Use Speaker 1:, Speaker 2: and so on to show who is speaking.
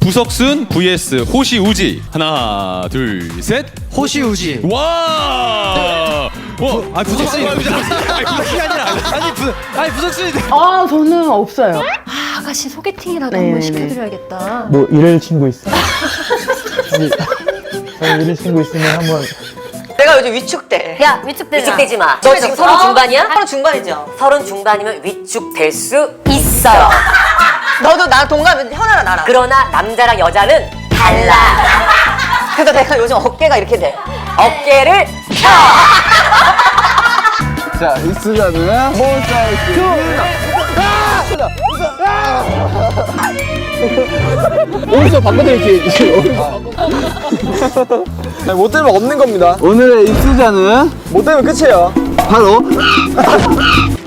Speaker 1: 부석순 vs 호시우지. 하나, 둘, 셋.
Speaker 2: 호시우지.
Speaker 1: 와.
Speaker 2: 아 부석순이 아니라 아니 부석순이.
Speaker 3: 아 저는 없어요.
Speaker 4: 아, 아가씨 소개팅이라도
Speaker 3: 네,
Speaker 4: 한번
Speaker 3: 네.
Speaker 4: 시켜드려야겠다.
Speaker 5: 뭐 이럴 친구 있어? 아니, 이럴 친구 있으면 한번.
Speaker 6: 내가 요즘 위축돼.
Speaker 4: 야, 위축되지 마.
Speaker 6: 위축되지 마. 너 지금 서른 중반이야? 서른 중반이죠. 서른 중반이면 위축될 수 있어요. 너도 나 동갑은 현아랑 나랑. 그러나 남자랑 여자는 달라. 그래서 내가 요즘 어깨가 이렇게 돼. 어깨를 펴.
Speaker 2: 자 익스자는 몬스타엑스.
Speaker 5: 어디서 바꿔드릴게
Speaker 2: 못 들면 없는 겁니다. 오늘의 익스자는 못 들면 끝이에요. 바로